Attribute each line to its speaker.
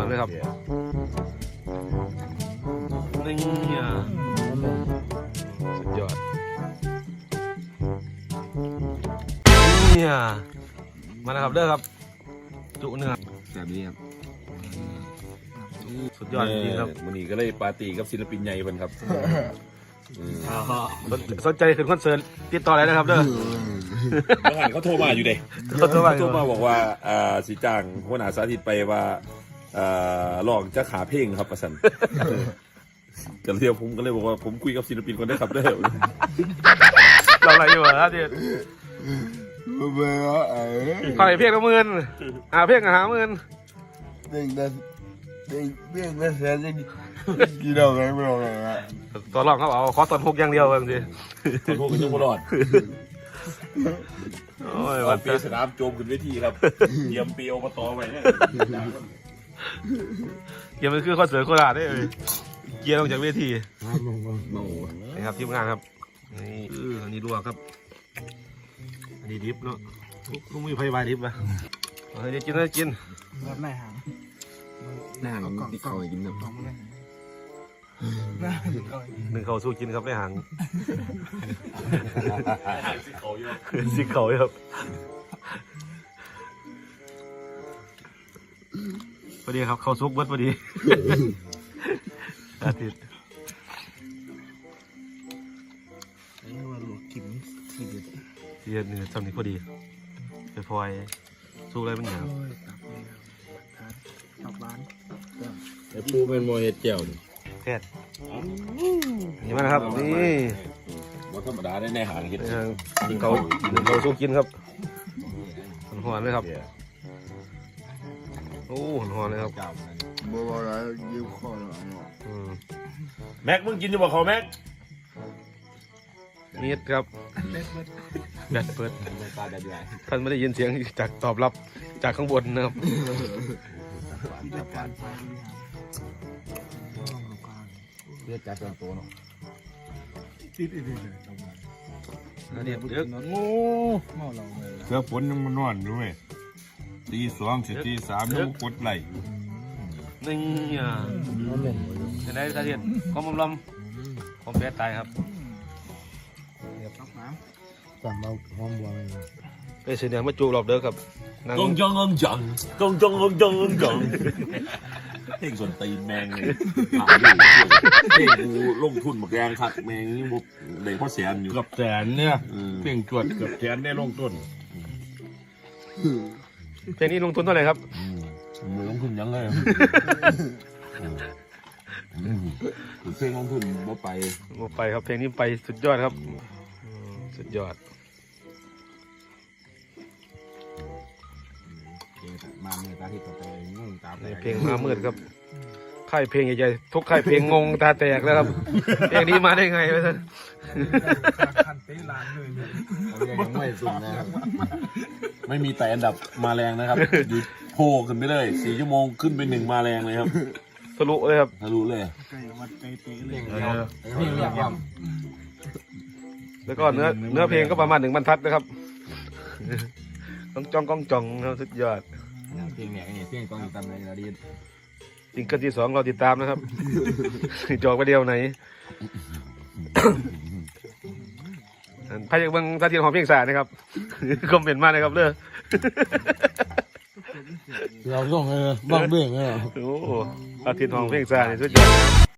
Speaker 1: เลยครับนี่สุดยอดนี่มาแล้วครับเด้อครับจุเนื้อ
Speaker 2: แบบนี้ครับ
Speaker 1: สุดยอดจริงครับ
Speaker 2: วันนี้ก็เลยปาร์ตี้กับศิลปินใหญ่เพิ่นครับ
Speaker 1: สนใจขึ้นคอนเสิร์ตติดต่ออะไรนะครับเด้อ
Speaker 2: เมื่อวานเขาโทรมาอยู่เด้เขาโทรมาบอกว่าสีจ้างหัวหน้าสาธิตไปว่าลองจะขาเพลงครับประสันกันเรียวผมก็เลยบอกว่าผมคุยกับศิลปินคนได้ครับเด้อ
Speaker 1: เราอะไรอยู่ฮะที่ขายเพียงละหมื่นเพียง50,000
Speaker 3: เพียงละแสนกี่ดอกไงไม่รู้เลย
Speaker 1: ตัวรองเขาเอาขอตอน6อย่างเดียวเองสิ
Speaker 2: ตอน6ก็ยังไม่รอด
Speaker 1: โอ้ย
Speaker 2: วันปีสนามโจมขึ้นเวทีครับเยี่ยมปีอบตไว้เนี่ย
Speaker 1: เกียร์มันคือคอนเสิร์ตโคราชได้เลยเกียร์ลงจากเวทีนี่ครับทีมงานครับนี่อันนี้ดูครับอันนี้ดิฟเนาะลูกมือไฟบายดิฟป่ะเฮ้ยกินเลยกิน
Speaker 3: แบบไหนหาง
Speaker 2: ที่เขากินน้ำ
Speaker 1: หนึ่งเขาสู้กินครับได้หาง
Speaker 2: สิเขาเยอะ
Speaker 1: สิเขาเยอะพอดีครับเขาซุกเบิดพอดีอาทิตย์
Speaker 3: นี่ว่าหลวงกิมทีเดี
Speaker 1: ยวเนื้อจำนี้พอดีไปพลอยสู้อะไรมันเหนียว
Speaker 3: ตับบ้าน
Speaker 2: แต่ปูเป็นโมเห็ดเจียว
Speaker 1: แท้นี่มานะครับนี่
Speaker 2: ว่าธรรมดาได้ในหางเห็ด
Speaker 1: กินเขาสู้กินครับหอนเลยครับโอ้หอนเลยครับ
Speaker 3: บัวอะไรยิ้มคอเลย
Speaker 2: แม็กมึงกินอยู่บ่เขาแม็ก
Speaker 1: มีดครับแบตเปิดท่านไม่ได้ยินเสียงจากตอบรับจากข้างบนนะครับ
Speaker 2: เรียกจากส่วนตัวเนาะ
Speaker 3: ติดอีกเลย
Speaker 1: เดี๋ยวเดี๋ยว
Speaker 3: โง่เมาเราเลย
Speaker 4: เสือฝนยังมันนอนด้วยตี2สิตี3แล้วกดไหล
Speaker 1: นี่จะได้สาเหตุของลมของแพ้ตายครับ
Speaker 3: สั่งเอาหอมบัวเลย
Speaker 1: ไปเสียงมาจูบรอบเด้อครับ
Speaker 2: กงจังเพลงส่วนตีแมงเลยเพลงกูลงทุนมาแกงขัดแมงนี่บุกเด็กพ่อแสนอยู่
Speaker 4: กับแสนเนี่ยเพลงจวดกับแสนได้ลงต้น
Speaker 1: เพลงนี้ลงทุนเท่าไหร่ครับ
Speaker 2: มือลงทุนยังไงเพลงลงทุนบ่
Speaker 1: ไปครับเพลงนี้ไปสุดยอดครับสุดยอด
Speaker 2: มาเมื่อตาที่ต่อไปงงตา
Speaker 1: เพลงมามืดครับค่ายเพลงใหญ่ๆทุกค่ายเพลงงงตาแตกแล้วครับเพลงนี้มาได้ไงวะท่าน
Speaker 3: คันเต้ลานเลย
Speaker 2: ยังไม่สุดนะครับไม่มีแต่อันดับมาแรงนะครับอยู่โผล่ขึ้นไปเลย4 ชั่วโมงขึ้นไป1มาแรงเลยครับ
Speaker 1: ทะลุเลยครับ
Speaker 2: ทะลุเลย
Speaker 3: ไก่วัดไก่เตะเลย
Speaker 1: แล้วก็เนื้อเพลงก็ประมาณ1 บรรทัดนะครับจ้องครับสุดยอด
Speaker 2: เพลงเนี่ยเพลงต้องติดตามในระดับ
Speaker 1: ซิงเกิลที่ 2เราติดตามนะครับจอกไปเดียวไหนพายบังท่าทีของเพลงสานะครับคอมเมนต์มาเลยครับเด้อ
Speaker 3: เราต้องบ้างเบ้งโอ้
Speaker 1: อาทิตย์ของเพลงสาเนี่ยสุดยอด